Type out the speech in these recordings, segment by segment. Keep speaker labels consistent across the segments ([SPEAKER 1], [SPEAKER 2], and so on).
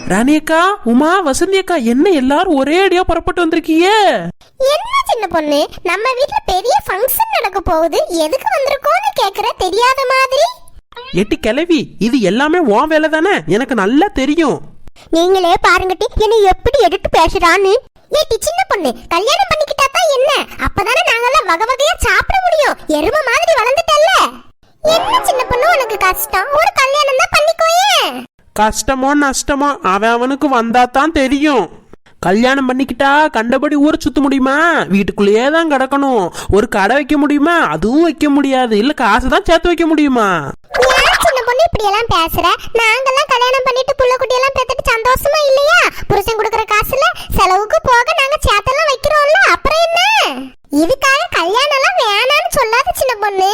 [SPEAKER 1] ராணியக்கா, உமா, வசந்தி அக்கா, என்ன எல்லாரும் ஒரே அடியா புறப்பட்டு வந்திருக்கீங்க?
[SPEAKER 2] என்ன சின்ன பொண்ணு, நம்ம வீட்ல பெரிய ஃபங்க்ஷன் நடக்க போகுது, எதுக்கு வந்திருக்கோன்னு கேக்குற தெரியாத மாதிரி.
[SPEAKER 1] எட்டி கிளவி, இது எல்லாமே உன் வேலை தானே, எனக்கு நல்லா தெரியும்.
[SPEAKER 2] நீங்களே பாருங்கட்டி என்ன எப்படி எடுத்து பேசுறான்னு. ஏட்டி சின்ன பொண்ணு, கல்யாணம் பண்ணிக்கிட்டா தான் என்ன, அப்பதானே நாங்கெல்லாம் வகை வகையா சாப்பிட முடியும். எருமை மாதிரி வளர்ந்துட்டல்ல. என்ன சின்ன பொண்ணு உனக்கு கஷ்டம், ஒரு கல்யாணம் தான் பண்ணிக்கோயே.
[SPEAKER 1] கஷ்டமோ நஷ்டமோ அவனுக்கு வந்தா தான் தெரியும். கல்யாணம் பண்ணிக்கிட்டா கண்டபடி ஊரை சுத்த முடியுமா? வீட்டுக்குள்ளேயே தான் கிடக்கணும். ஒரு கடை வைக்க முடியுமா? அதுவும் வைக்க முடியாது. இல்ல காசு தான் சேர்த்து வைக்க முடியுமா?
[SPEAKER 2] சின்ன பொண்ணு இப்படி எல்லாம் பேசுற, நாங்கெல்லாம் கல்யாணம் பண்ணிட்டு புள்ள குட்டி எல்லாம் பெத்துட்டு சந்தோஷமா இல்லையா? புருஷன் கொடுக்கற காசுல செலவுக்கு போக நாங்க சேர்த்தெல்லாம் வைக்கிறோம்ல, அப்புறம் என்ன? இதுக்காக கல்யாணம் எல்லாம் வேணான்னு சொல்லாத சின்ன பொண்ணு.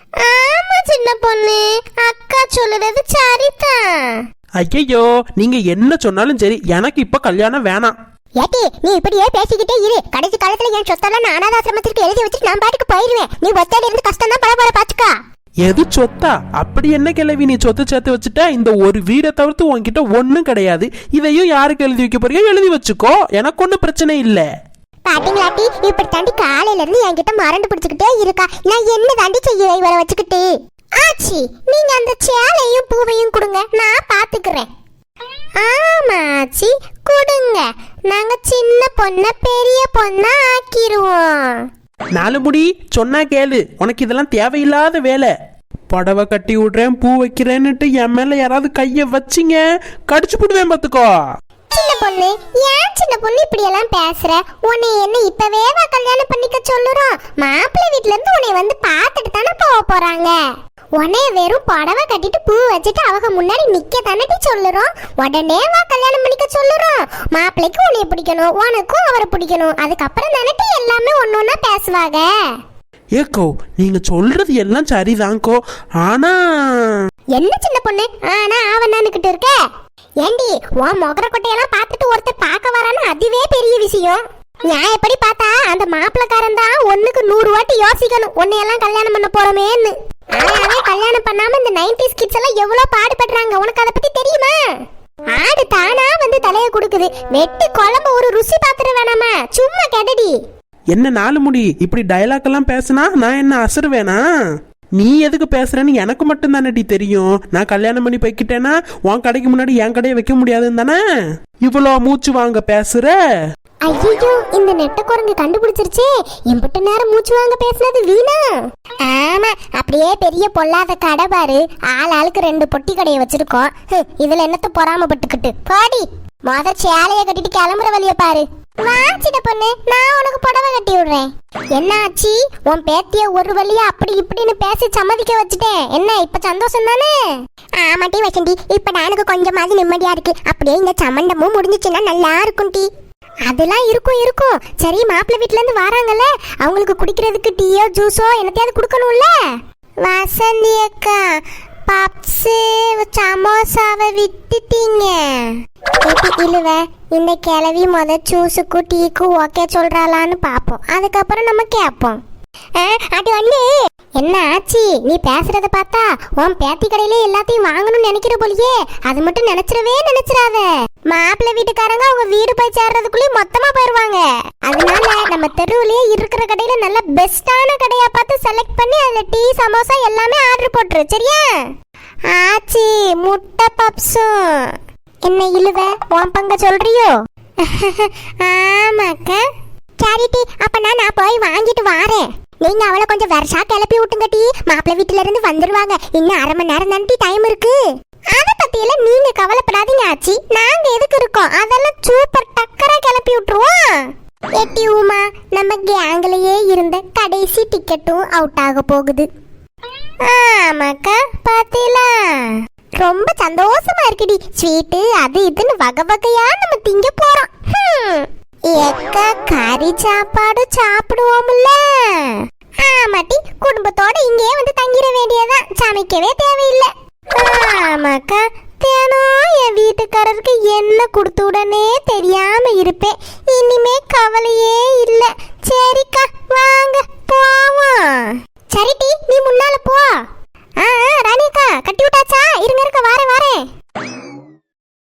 [SPEAKER 2] ஆமா சின்ன பொண்ணு, அக்கா சொல்லுறது சரிதான்.
[SPEAKER 1] ஐயோ, நீங்க என்ன சொன்னாலும் சரி, எனக்கு இப்ப கல்யாணம் வேணாம்.
[SPEAKER 2] ஏட்டி நீ இப்படியே பேசிக்கிட்டே இரு, கடைசி காலத்துல என் சொத்தெல்லாம் நான் அனாதாசிரமத்திற்கு எழுதி வச்சுட்டு நான் பாட்டுக்கு போயிருவேன். நீ ஒத்தையில இருந்து கஷ்டம் தான் பல பாத்துக்கா.
[SPEAKER 1] எது சொத்தா? அப்படி என்ன கிளவி, நீ சொத்து சேர்த்து வச்சுட்ட? இந்த ஒரு வீடை தவிர்த்து உன்கிட்ட ஒன்னும் கிடையாது. இதையும் யாருக்கு எழுதி வைக்க போறியோ எழுதி வச்சுக்கோ, எனக்கு ஒன்னும் பிரச்சனை இல்ல.
[SPEAKER 2] பாத்தீங்களாட்டி, இப்படி தாண்டி காலையில இருந்து என்கிட்ட மறந்து பிடிச்சுக்கிட்டே இருக்கா. நான் என்ன தாண்டி செய்ய இவரை வச்சுக்கிட்டு? ஆச்சி, நீங்க அந்த சேலையும் பூவையும் கொடுங்க, நான் பாத்துக்கிறேன். ஆமா ஆச்சி, கொடுங்க. நாங்க சின்ன பொண்ண பெரிய பொண்ணா ஆக்கிருவோம்.
[SPEAKER 1] நாலு முடி சொன்னா கேளு, உனக்கு இதெல்லாம் தேவையில்லாத வேலை. புடவை கட்டி விடுறேன், பூ வைக்கிறேன்னுட்டு என் மேல யாராவது கைய வச்சிங்க, கடிச்சு போடுவேன் பாத்துக்கோ.
[SPEAKER 2] சின்ன பொண்ணு, ஏன் சின்ன பொண்ணு இப்படி எல்லாம் பேசுற? உன்னை என்ன இப்பவே கல்யாணம் பண்ணிக்க சொல்லுறோம்? மாப்பிள்ளை வீட்ல இருந்து உன்னை வந்து பாத்துட்டு தானே போக போறாங்க. உன்னை வெறும் புடவை கட்டிட்டு பூ வச்சுட்டு அவங்க முன்னாடி நிக்க தானே சொல்லுறோம். உடனே கல்யாணம் பண்ணிக்க சொல்லுறோம். மாப்பிள்ளைக்கு உன்னை பிடிக்கணும், உனக்கும் அவரை பிடிக்கணும். அதுக்கப்புறம் தானே எல்லாமே ஒன்னொன்னா பேசுவாங்க.
[SPEAKER 1] ஏக்கோ, நீங்க சொல்றது எல்லாம் சரிதான்கோ, ஆனா
[SPEAKER 2] என்ன சின்ன பொண்ணு ஆனா அவனானுக்கிட்டு இருக்க? ஏண்டி, உன் மொகர கொட்டையெல்லாம் பார்த்துட்டு ஒருத்தர் பார்க்க வரான்னு அதுவே பெரிய விஷயம். நான் எப்படி பார்த்தா அந்த மாப்பிள்ளக்காரன் தான் 1க்கு 100 வாட்டி யோசிக்கணும் உன்னையெல்லாம் கல்யாணம் பண்ண போறோமேன்னு. ஆனாவே கல்யாணம் பண்ணாம இந்த 90s கிட்ஸ் எல்லாம் எவ்வளவு பாடுபடுறாங்க, உனக்கு அதை பத்தி தெரியுமா? ஆடு தானா வந்து தலைய குடுக்குது, வெட்டி குழம்பு ஒரு ருசி பாத்துற வேணாமா, சும்மா கெடடி.
[SPEAKER 1] என்ன நாலு முடி, இப்படி டயலாக் எல்லாம் பேசினா நான் என்ன அசருவேனா? நீ எதுக்கு பேசுறேன்னு எனக்கு மட்டும் தானே தெரியும். நான் கல்யாணம் பண்ணி போய்கிட்டேன்னா உன் கடைக்கு முன்னாடி என் கடையை வைக்க முடியாதுன்னு தானே இவ்வளோ மூச்சு வாங்க பேசுற?
[SPEAKER 2] ஐயோ, இந்த நெட்ட குரங்கு கண்டுபிடிச்சிருச்சே, எம்பிட்ட நேரம் மூச்சு வாங்க பேசுனது வீணா. ஆமா, அப்படியே பெரிய பொல்லாத கடை பாரு, ஆளுக்கு 2 பொட்டி கடையை வச்சிருக்கோம். இதுல என்னத்த பொறாமப்பட்டுக்கிட்டு பாடி. மொத சேலைய கட்டிட்டு கிளம்புற வழிய பாரு. வா சின்ன பொண்ணு, நான் உனக்கு புடவை கட்டி விடுறேன். என்ன ஆச்சி, உன் பேத்திய ஒரு வழியா அப்படி இப்படின்னு பேசி சம்மதிக்க வச்சுட்டேன். என்ன இப்ப சந்தோஷம் தானே? ஆமாட்டி வசந்தி, இப்ப எனக்கு கொஞ்சமாவது நிம்மதியா இருக்கு. அப்படியே இந்த சம்மண்டமும் முடிஞ்சிச்சுன்னா நல்லா இருக்கும் டி. அதெல்லாம் இருக்கும். சரி, மாப்பிள்ளை வீட்டுல இருந்து வராங்கல்ல, அவங்களுக்கு குடிக்கிறதுக்கு டீயோ ஜூஸோ என்னத்தையாவது கொடுக்கணும்ல. வசந்தி அக்கா, பப்ஸ் சமோசாவை விட்டுட்டீங்க. இழுவ, இந்த கிளவி முத ஜூஸுக்கு டீக்கு ஓகே சொல்றாளான்னு பாப்போம், அதுக்கப்புறம் நம்ம கேட்போம். அது வந்து என்ன ஆச்சி, நீ பேசுறத பார்த்தா உன் பேத்தி கடையில எல்லாத்தையும் வாங்கணும்னு நினைக்கிற போலியே. அது மட்டும் நினைச்சிடாத. மாப்பிள்ளை வீட்டுக்காரங்க அவங்க வீடு போய் சேர்றதுக்குள்ளே மொத்தமா போயிருவாங்க. அதனால நம்ம தெருவுலயே இருக்கிற கடையில நல்ல பெஸ்டான கடையா பார்த்து செலக்ட் பண்ணி அதுல டீ சமோசா எல்லாமே ஆர்டர் போட்டுரு, சரியா? ஆச்சி, முட்டை பப்ஸும். என்ன இழுவ, உன் பங்க சொல்றியோ? ஆமாக்கா. சரிட்டி, அப்ப நான் போய் வாங்கிட்டு வாரேன். நீங்க அவளை கொஞ்சம் வருஷா கிளப்பி விட்டுங்க டி, மாப்பிள்ளை வீட்டுல இருந்து வந்துருவாங்க. இன்னும் 1/2 மணி நேரம் தாண்டி டைம் இருக்கு. அத பத்தியில நீங்க கவலைப்படாதீங்க ஆச்சி, நாங்க எதுக்கு இருக்கோம், அதெல்லாம் சூப்பர் டக்கரா கிளப்பி விட்டுருவோம். எட்டி உமா, நம்ம கேங்லயே இருந்த கடைசி டிக்கெட்டும் அவுட் ஆக போகுது. ஆமாக்கா, பாத்தீங்களா? ரொம்ப சந்தோஷமா இருக்குடி. ஸ்வீட்டு அது இதுன்னு வகை வகையா நம்ம திங்க போறோம். எக்கா, கறி சாப்பாடு சாப்பிடுவோம்ல. ஆமாட்டி, குடும்பத்தோட இங்கே வந்து தங்கிட வேண்டியதான், சமைக்கவே தேவையில்லை. ஆமாக்கா, தினம் என் வீட்டுக்காரருக்கு என்ன கொடுத்து உடனே தெரியாம இருப்பேன். இனிமே கவலையே இல்ல. சரிக்கா, வாங்க போவோம். சரிட்டி, நீ முன்னால போ. ராணியக்கா, கட்டி விட்டாச்சா? இருங்க, வாரேன்.